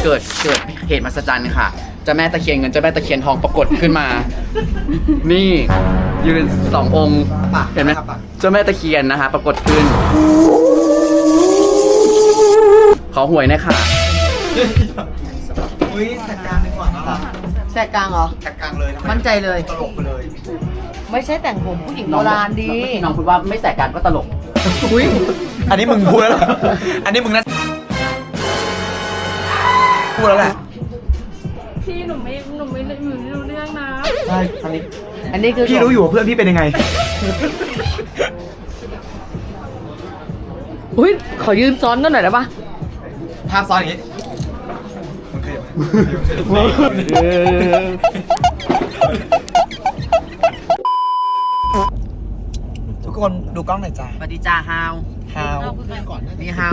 เกิดเหตุมหัศจรรย์ค่ะเจ้าแม่ตะเคียนเงินเจ้าแม่ตะเคียนทองปรากฏขึ้นมา นี่ยืน2 องค์เห็นไหมเจ้าแม่ตะเคียนนะคะปรากฏขึ้นขอหวยหน่อยค่ะอุ้ยแสกกลางดีกว่านะแสกกลางเหรอแสกกลางเลยทำไมั่นใจเลยตลกไปเลยไม่ใช่แต่งผมผู้หญิงโบราณดีน้องพูดว่าไม่แสกกลางก็ตลกอุ้ยอันนี้มึงพูดแล้วเหรออันนี้มึงนั่นพูดแล้วแหละพี่หนูไม่รู้เรื่องนะใช่อันนี้อันนี้คือพี่รู้อยู่ว่าเพื่อนพี่เป็นยังไงอุ้ยขอยืนซ้อนกันหน่อยได้ปะภาพซ้อนอย่างนี้ทุกคนดูกล้องหน่อยจ้าสวัสดีจ้าฮาวฮาวนี่ฮาว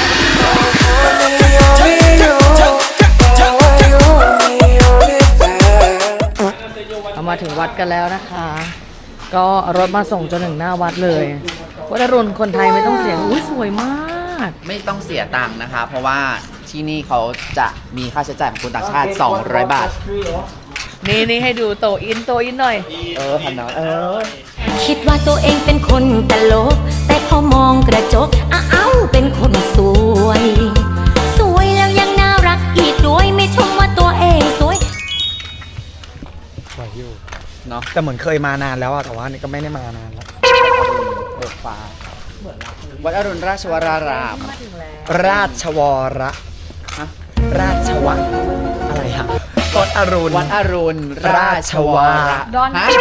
เรามาถึงวัดกันแล้วนะคะ ก็รถมาส่งจนถึงหน้าวัดเลยวัดอรุณคนไทยไม่ต้องเสียอุ้ยสวยมากไม่ต้องเสียตังค์นะคะ เพราะว่าที่นี่เขาจะมีค่าใช้จ่ายของคนต่างชาติ200 บาทนี่ให้ดูโตอินหน่อยพันน้อยคิดว่าตัวเองเป็นคนตลก แต่พอมองกระจกอ้าวเป็นคนสวย สวยแล้วยังน่ารักอีกด้วยไม่ชมว่าตัวเองสวยสวยอยู่เนาะแต่เหมือนเคยมานานแล้วอะแต่ว่านี่ก็ไม่ได้มานานแล้วเบิกฟ้าวัดอรุณราชวรารามราชวรฮะราชวะอะไรฮะวัดอรุณวัดอรุณราชวรฮะ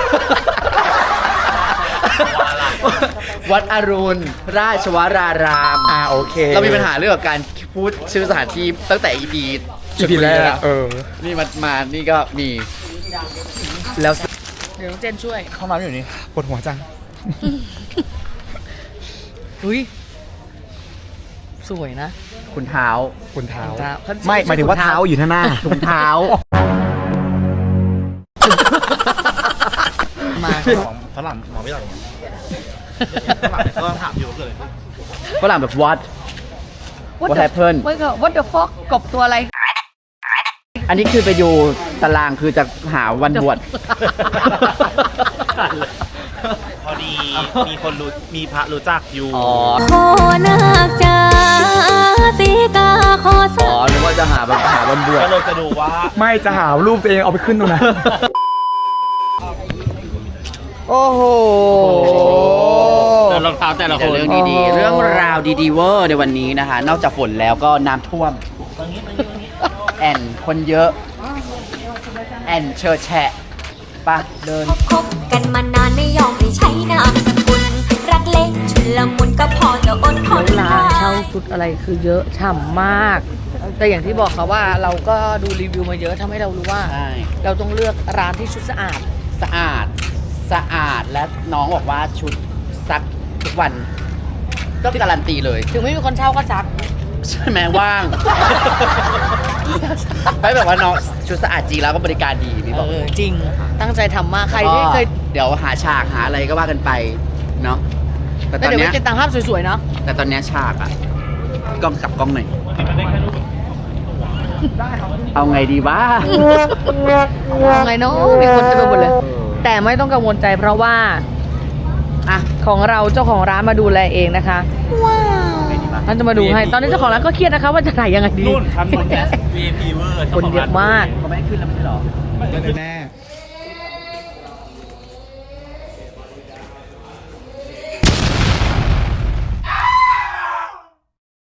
วัดอรุณราชวรารามโอเคเรามีปัญหาเรื่องกับการพูดชื่อสถานที่ตั้งแต่ EP แรกนี่มานี่ก็มีแล้วเดี๋ยวน้องเจนช่วยห้องน้ำอยู่นี่ปวดหัวจังอุ้ยสวยนะคุณเท้าคุณเท้าเท้าไม่หมายถึงว่าเท้าอยู่ข้างหน้าถุงเท้ามาฝรั่งหมอไม่หลังฝรั่งก็ถามอยู่ว่าเกิดอะไรขึ้นฝรั่งแบบ what What happened What the fuck กบตัวอะไรอันนี้คือไปดูตารางคือจะหาวันบวชพอดีมีคนรู้มีพระรู้จักอยู่อ๋อขอนาคจ้าสีกาขอสานึกว่าจะหาวันบวชก็เลยจะดูว่าไม่จะหารูปตัวเองเอาไปขึ้นตรงนั้นโอ้โหแต่รองเท้าแต่ละคนเรื่องดีๆ เรื่องราวดีๆเวอร์ในวันนี้นะคะ นอกจากฝนแล้วก็น้ำท่วม แอนคนเยอะ แอนเชอแฉะปะเดินคบกันมานานไม่ยอมให้ใช้นามสกุลรักเล็กชุนละมุนก็พอจะอดทนร้านเช่าชุดอะไรคือเยอะฉ่ำมาก แต่อย่างที่บอกค่ะว่าเราก็ดูรีวิวมาเยอะทำให้เรารู้ว่าใช่เราต้องเลือกร้านที่ชุดสะอาดสะอาดและน้องบอกว่าชุดซักทุกวัน ก็การันตีเลยถึงไม่มีคนเช่าก็ซักใช่ไหมว่าง ไม่แบบว่าน้องชุดสะอาดจริงแล้วก็บริการดีพี่บอกจริง ตั้งใจทำมากใครที่เคยเดี๋ยวหาฉากหาอะไรก็ว่ากันไปเนาะแต่ตแต่อนเดี๋ยวเนี้ไม่ยเก็บตังค์ภาพสวยๆเนาะแต่ตอนเนี้ยฉากอะกล้องกลับกล้องหน่อยเอาไงดีวะยังไงเนาะมีคนจะไปหมดเลย แต่ไม่ต้องกังวลใจเพราะว่าอ่ะของเราเจ้าของร้านมาดูแลเองนะคะไงดีวะท่านจะมาดูให้ ตอนนี้เจ้าของร้านก็เครียดนะคะว่าจะถ่ายยังไงดีนู่นชั้นบนแก VIP เวอร์คนเยอะมากเขาไม่ได้ขึ้นแล้วไม่ใช่หรอแน่